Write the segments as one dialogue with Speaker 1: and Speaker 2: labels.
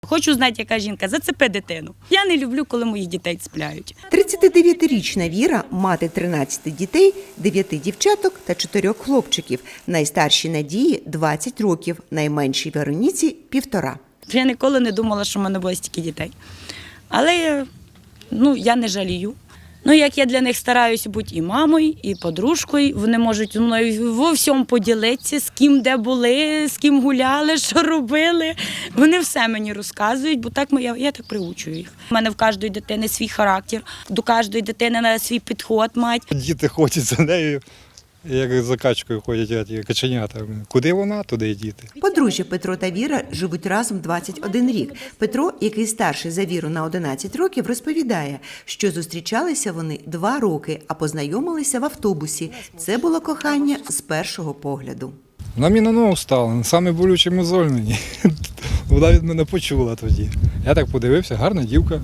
Speaker 1: Хочу знати, яка жінка, зацепи дитину. Я не люблю, коли моїх дітей цепляють.
Speaker 2: 39-річна Віра – мати 13 дітей, 9 дівчаток та 4 хлопчиків. Найстаршій Надії – 20 років, найменшій Вероніці – 1,5.
Speaker 1: Я ніколи не думала, що в мене буде стільки дітей. Але я не жалію. Як я для них стараюся бути і мамою, і подружкою, вони можуть зі мною во всьому поділитися, з ким де були, з ким гуляли, що робили. Вони все мені розказують, бо так я так приучую їх. У мене в кожної дитини свій характер, до кожної дитини треба свій підход мати.
Speaker 3: Діти ходять за нею, як за качкою ходять каченята. Куди вона, туди й діти.
Speaker 2: Подружжя Петро та Віра живуть разом 21 рік. Петро, який старший за Віру на 11 років, розповідає, що зустрічалися вони 2 роки, а познайомилися в автобусі. Це було кохання з першого погляду.
Speaker 3: Вона мені на ногу стала, саме болючий мозоль мені. Вона від мене почула тоді. Я так подивився, гарна дівка.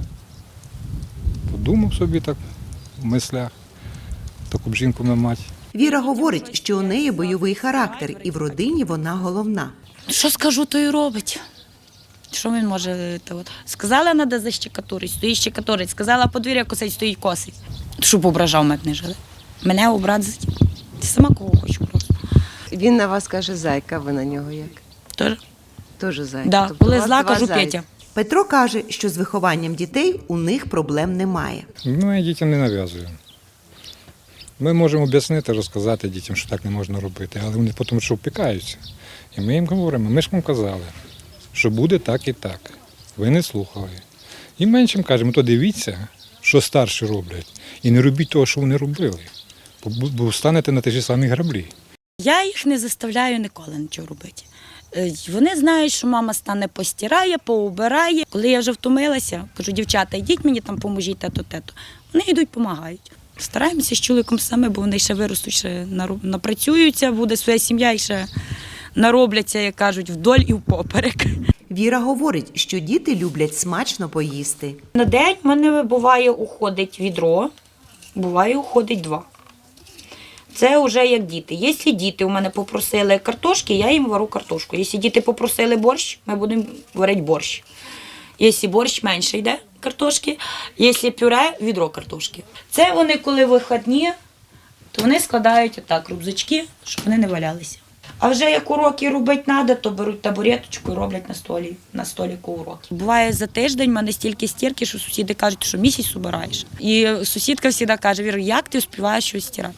Speaker 3: Подумав собі так в мислях, таку б жінку на мать.
Speaker 2: Віра говорить, що у неї бойовий характер, і в родині вона головна.
Speaker 1: Що скажу, то і робить. Що він може? Сказала, треба защекатурить, стоїть щекатурить. Сказала, подвір'я косить, стоїть косить. Щоб ображав мене не жили. Мене образить. Сама кого хочу просто.
Speaker 4: Він на вас каже зайка, ви на нього як?
Speaker 1: Тож?
Speaker 4: Теж зайка.
Speaker 1: Да.
Speaker 4: Тобто
Speaker 1: Коли
Speaker 4: у вас
Speaker 1: зла,
Speaker 4: два
Speaker 1: кажу
Speaker 4: зайця.
Speaker 1: Петя.
Speaker 2: Петро каже, що з вихованням дітей у них проблем немає.
Speaker 3: Я дітям не нав'язую. Ми можемо об'яснити, розказати дітям, що так не можна робити, але вони потім що впікаються. І ми їм говоримо, ми ж вам казали, що буде так і так. Ви не слухали. І меншим кажемо, то дивіться, що старші роблять, і не робіть того, що вони робили, бо станете на ті ж самі граблі.
Speaker 1: Я їх не заставляю ніколи нічого робити. Вони знають, що мама стане постирає, поубирає. Коли я вже втомилася, кажу, дівчата, йдіть мені там, поможіть, те-то. Вони йдуть, допомагають. Стараємося з чоловіком саме, бо вони ще виростуть, ще напрацюються, буде своя сім'я і ще наробляться, як кажуть, вдоль і впоперек.
Speaker 2: Віра говорить, що діти люблять смачно поїсти.
Speaker 1: На день в мене буває уходить відро, буває уходить 2. Це вже як діти. Якщо діти у мене попросили картошки, я їм варю картошку. Якщо діти попросили борщ, ми будемо варити борщ. Якщо борщ менше йде картошки, якщо пюре – відро картошки. Це вони, коли вихідні, то вони складають отак рюкзачки, щоб вони не валялися. А вже як уроки робити треба, то беруть табуреточку і роблять на століку уроки. Буває за тиждень в мене стільки стірки, що сусіди кажуть, що місяць убираєш. І сусідка завжди каже, Віра, як ти успіваєш щось стирати?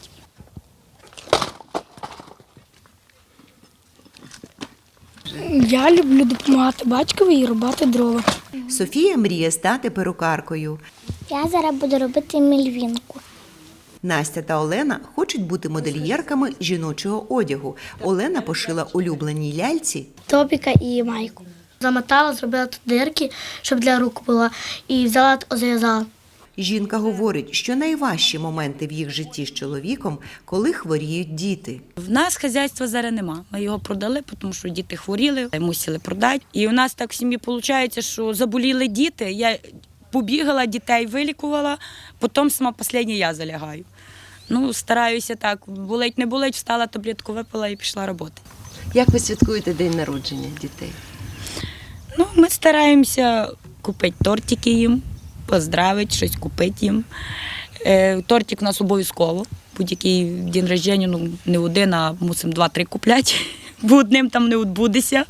Speaker 5: Я люблю допомагати батькові і рубати дрова.
Speaker 2: Софія мріє стати перукаркою.
Speaker 6: Я зараз буду робити мільвінку.
Speaker 2: Настя та Олена хочуть бути модельєрками жіночого одягу. Олена пошила улюбленій ляльці
Speaker 5: Топіка і майку. Замотала, зробила тут дирки, щоб для рук було, і взяла, зв'язала.
Speaker 2: Жінка говорить, що найважчі моменти в їх житті з чоловіком, коли хворіють діти.
Speaker 1: В нас хазяйства зараз нема. Ми його продали, тому що діти хворіли, мусили продати. І у нас так в сім'ї виходить, що заболіли діти. Я побігала, дітей вилікувала, потім сама остання я залягаю. Стараюся так, болить, не болить, встала, таблетку випила і пішла роботи.
Speaker 4: Як ви святкуєте день народження дітей?
Speaker 1: Ми стараємося купити тортики їм, поздравити, щось купити їм. Тортик у нас обов'язково. Будь-який день народження, не один, а мусимо 2-3 купляти, бо одним там не відбудеться.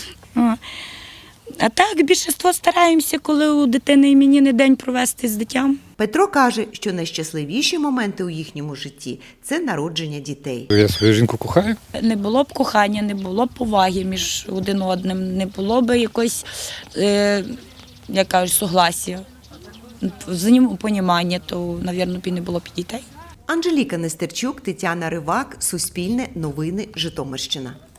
Speaker 1: А так, більшість стараємося, коли у дитини іменинний день провести з дитям.
Speaker 2: Петро каже, що найщасливіші моменти у їхньому житті – це народження дітей.
Speaker 3: Я свою жінку кохаю.
Speaker 1: Не було б кохання, не було б поваги між один одним, не було б якось, як кажуть, согласія, взаємопонімання, то, мабуть, не було б і дітей.
Speaker 2: Анжеліка Нестерчук, Тетяна Ривак, Суспільне, Новини, Житомирщина.